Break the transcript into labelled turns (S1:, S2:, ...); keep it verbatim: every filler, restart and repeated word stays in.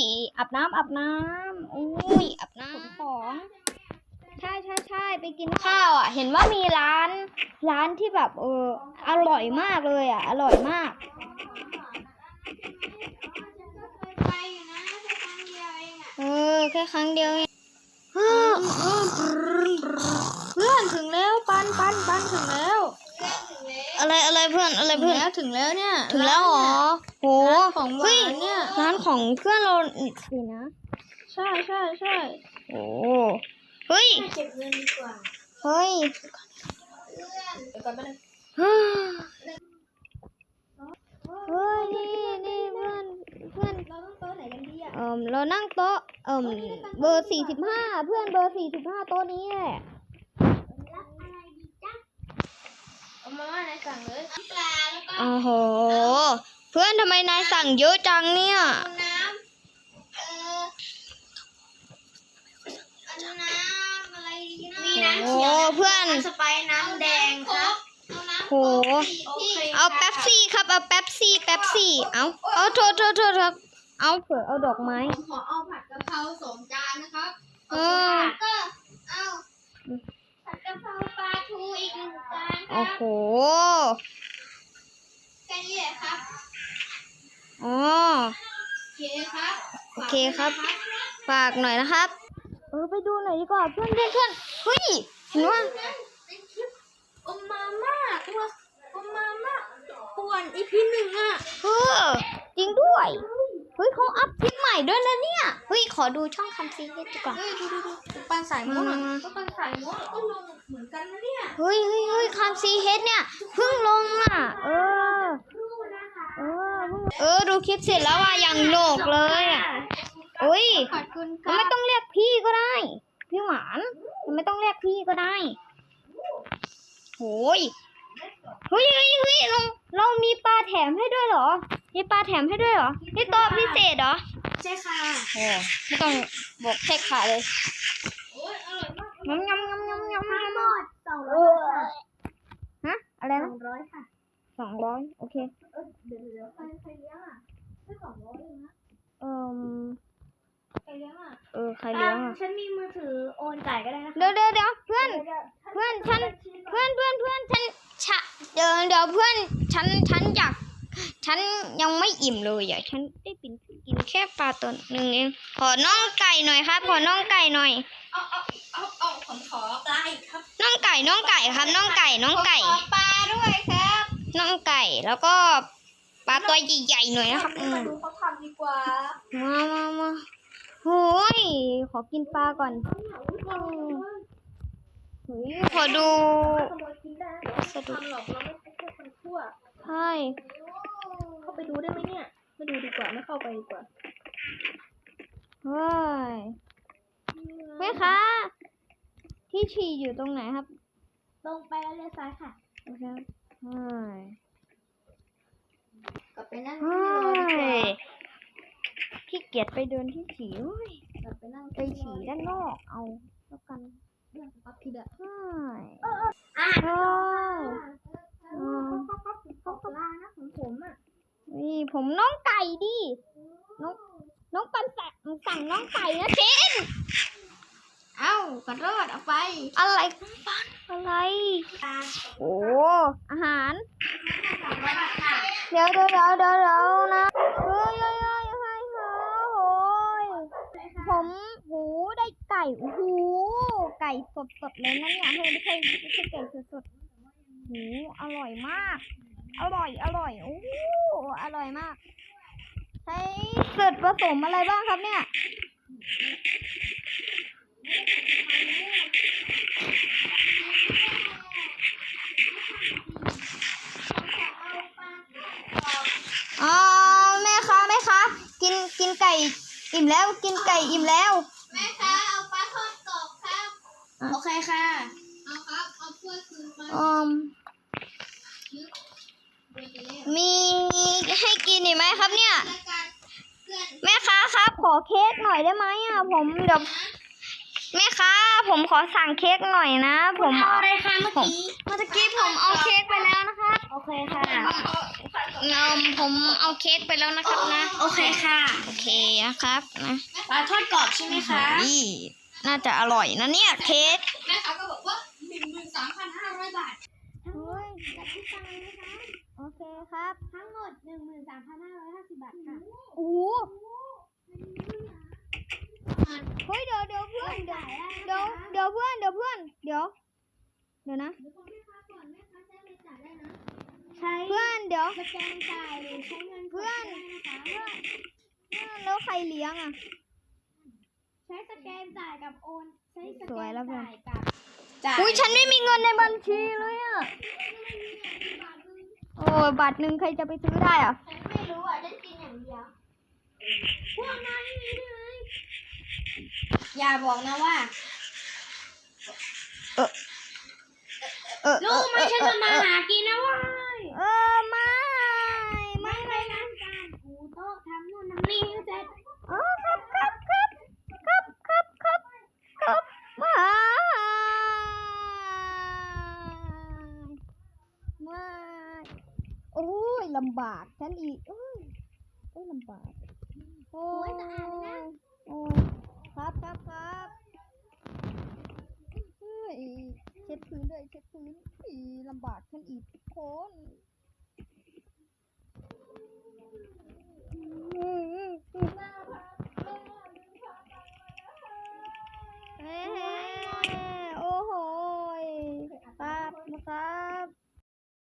S1: อาบน้ำอาบน้ำอุ้ยอาบน้ำของใช่ใช่ใช่ไปกินข้าวอ่ะเห็นว่ามีร้านร้านที่แบบเอออร่อยมากเลยอ่ะอร่อยมากเออแค่ครั้งเดียวเองเพื่อนถึงแล้วปันปันปันถึงแล้วอะไรอะไรเพื่อนอะไรเพื่อนถึงแล้วเนี่ยถึงแล้วเหรอโหของหวานเนี่ยร้านของเพื่อนเราสินะใช่ใช่ใช่โอ้เฮ้ยเก็บเงินดีกว่าเฮ้ยเดี๋ยวก่อนไปเลยเฮ้ยนี่นี่เพื่อนเพื่อนเราต้องโต๊ะไหนกันดีอ่ะเออเรานั่งโต๊ะเออเบอร์สี่สิบห้าเพื่อนเบอร์สี่สิบห้าโต๊ะนี้แหละรับอะไรดีจ๊ะเอามาว่านายสั่งเลยน้ำปลาแล้วก็โอ้โหเพื่อนทำไมนายสั่งเยอะจังเนี่ยน้ำเออน้ำอะไรดีนะมีน้ำเขียวเพื่อนสไปร์น้ำแดงครับโหเอาแป๊บซี่ครับเอาแป๊บซี่แป๊บซี่เอาเอาโทษโทษโทษครับเอาเผื่อเอาดอกไม้
S2: ขอเอาผัดกะเพราสองจานนะครับเอ
S1: อ
S2: ก็เอาผัดกะเพราปลาทูอีกหนึ่งจานครับ
S1: โอ้โห
S2: แค่นี้แหละครับ
S1: อ๋อ
S2: โอเคครับ
S1: โอเคครับฝากหน่อยนะครับเออไปดูหน่อยดีกว่าเพื่อนเพื่อนเพื่อนเฮ้ยเห็นว่า
S2: อมมาม่าตัวอมมาม่าป่วนอีพีหนึ่งอ่ะ
S1: เออจริงด้วยเฮ้ยเขาอัพคลิปใหม่ด้วยนะเนี่ยเฮ้ยขอดูช่องคันซีเฮดดีกว่า
S2: เฮ้ยดูดูดูปันสายม้วนก็ปันสายม้วนก็ลงเหมือนกันนะเนี่ย
S1: เฮ้ยเฮ้ยเฮ้ยคันซีเฮดเนี่ยเพิ่งลงอ่ะเออเออเออดูคลิปเสร็จแล้วว่ายังโหนกเลยอ่ะเฮ้ยไม่ต้องเรียกพี่ก็ได้พี่หวานไม่ต้องเรียกพี่ก็ได้โอ้ยเฮ้ยเฮ้ยเฮ้ยเราเรามีปลาแถมให้ด้วยเหรอมีปลาแถมให้ด้วยเหรอนี่โต๊ะพิเศษเหรอ
S2: ใช่ค่ะ
S1: โอ้ไม่ต้องบอกแค่ขาเลย
S2: โอ้ยอร่อยมาก
S1: ยำยำยำยำยำ
S2: ทั้งหมดสองร้อย
S1: ฮะอะไรนะ
S2: สองร้อยค่ะ
S1: สองร้อยโอเค
S2: เออเดี๋ยวเดี๋ยวใครใครเลี้ยงอ่ะแค่สองร้อยเองนะ
S1: เอ่อ
S2: ใครเลี้ยงอ่ะ
S1: เออใครเลี้ยงอ่ะ
S2: ฉันมีมือถือโอนจ่ายก็ได้นะ
S1: เดี๋ยวเดี๋ยวเดี๋ยวเพื่อนเพื่อนฉันเพื่อนเพื่อนเพื่อนฉันฉะเดี๋ยวเดี๋ยวเพื่อนฉันฉันอยากฉันยังไม่อิ่มเลยอ่ะฉันได้กินกินแค่ปลาตัวหนึ่งเองขอน่องไก่หน่อยครับขอน่องไก่หน่อย
S2: เอาเอาเอาเอาผมขอปลาอีกครับ
S1: น่องไก่น่องไก่ครับน่องไก่น่องไก่
S2: ขอปลาด้วยครับ
S1: น่องไก่แล้วก็ปลาตัวใหญ่ๆหน่อยนะครับ
S2: มาดูเขาทำดีกว่า
S1: มามามาโอ้ยขอกินปลาก่อนเฮ้ยขอดู
S2: สะดุดหรอกเราไม่ใช่แค่คนชั่ว
S1: ใช่
S2: เข้าไปดูได้ไหมเนี่ยไม่ดูดีกว่าไม่เข้าไปดีกว่า
S1: เฮ้ยแม่คะที่ฉี่อยู่ตรงไหนครับ
S2: ตรงไปแล้วเลี้ยวซ้ายค่ะ
S1: โอเคเฮ้ย
S2: กลับไปนั่ง
S1: ที่รอขี้เกียจไปเดินที่ฉี่เฮ้ย
S2: กลับไปนั่ง
S1: ไปฉี่ด้านนอกเอาแล้วกัน
S2: เรื่องปั๊บทีเดียว
S1: ใช่
S2: เอออ่า
S1: ใช่
S2: เขาเขาเขาปลานะของผมอ่ะ
S1: นี่ผมน้องไก่ดิน้องน้องปันสั่งสั่งน้องไก่นะเชน
S2: เอ้าขอโทษเอาไป
S1: อะไรปันอะไรโอ้อาหารเดี๋ยวเดี๋ยวเดี๋ยวเดี๋ยวเดี๋ยวนะเฮ้ยเฮ้ยเฮ้ยเฮ้ยโอ้ยผมหูได้ไก่หูไก่สดสดเลยนะเนี่ยเฮ้ยไม่ใช่ไม่ใช่ไก่สดสดหูอร่อยมากอร่อยอร่อยโอ้อร่อยมากใช้ส่วนผสมอะไรบ้างครับเนี่ยอ๋อแม่คะแม่คะกินกินไก่อิ่มแล้วกินไก่อิ่มแล้ว
S2: แม่คะเอาปลาทอดกรอบครับโอเคค่ะเอาครับเอาถ้วยคืนมา
S1: อืมมีให้กินอีกไหมครับเนี่ยแม่ค้าครับขอเค้กหน่อยได้ไหมอ่ะผมเดี๋ยวแม่ค้าผมขอสั่งเค้กหน่อยนะผม
S2: เอาอะไรคะเมื่อกี้
S1: เมื่อกี้ผมเอาเค้กไปแล้วนะคะ
S2: โอเคค่ะ
S1: เงมผมเอาเค้กไปแล้วนะครับนะ
S2: โอเคค่ะ
S1: โอเคนะครับนะ
S2: ปลาทอดกรอบใช่ไหมคะ
S1: นี่น่าจะอร่อยนะเนี่ยเค้ก
S2: แม่ค้าก็บอกว่าหนึ่งหมื่นสามพันห้าร้อยบาท
S1: โอ้ย
S2: จัดที่ตังค์นะคะ
S1: โอเคครับ
S2: ทั้งหมดหนึ่งหมื่นสามพันห้าร้อยห้าสิบบาทค่ะ
S1: โอ้โหเฮ้ยเดี๋ยวเดี๋ยวเพื่อนเดี๋ยวเดี๋ยวเดี๋ยวเพื่อนเดี๋ยวเพื่อนเดี๋ยวเดี๋ยวนะ
S2: เดี๋ยวบอกแม่ค้าก่อนแม่ค้าใช้อะไรจ่ายได้นะ ใช้
S1: เพื่อนเดี๋ยว
S2: สแกนจ่ายหรือใช้เงินสด
S1: เพื่อน
S2: ได้นะคะเพื่อน
S1: แล้วใครเลี้ยงอ่ะ
S2: ใช้สแกนจ่ายกับโอนใช้ส
S1: ส
S2: แก
S1: วย
S2: น
S1: แล้วเพื่อน
S2: จ่ายกับจ่าย
S1: อุ้ยฉันไม่มีเงินในบัญชีเลยอ่ะโอ้ยบาทหนึ่งใครจะไปซื้อได้อ่ะ
S2: ฉันไม่รู้อ่ะฉันกินอย่างเดียวพวกนายไม่มีได้ไหมอย่าบอกนะว่า
S1: เออเออ
S2: รู้ไหมฉันจะมาหากินนะเว้ย
S1: เออไม่ไม่
S2: ไม่ไปร้านการถูโต๊ะทำนู่นทำนี่ให้เสร็จ
S1: เออครับครับครับครับครับครับครับไม่ไม่โอ้ยลำบากฉันอีกโอ้ยโอ้ยลำบากโอ้
S2: โอ้
S1: ย
S2: ยสะอาดเลยนะ
S1: โอ้ยครับครับครับเฮ้ยเช็ดพื้นด้วยเช็ดพื้นอีลำบากฉันอีกทุกคน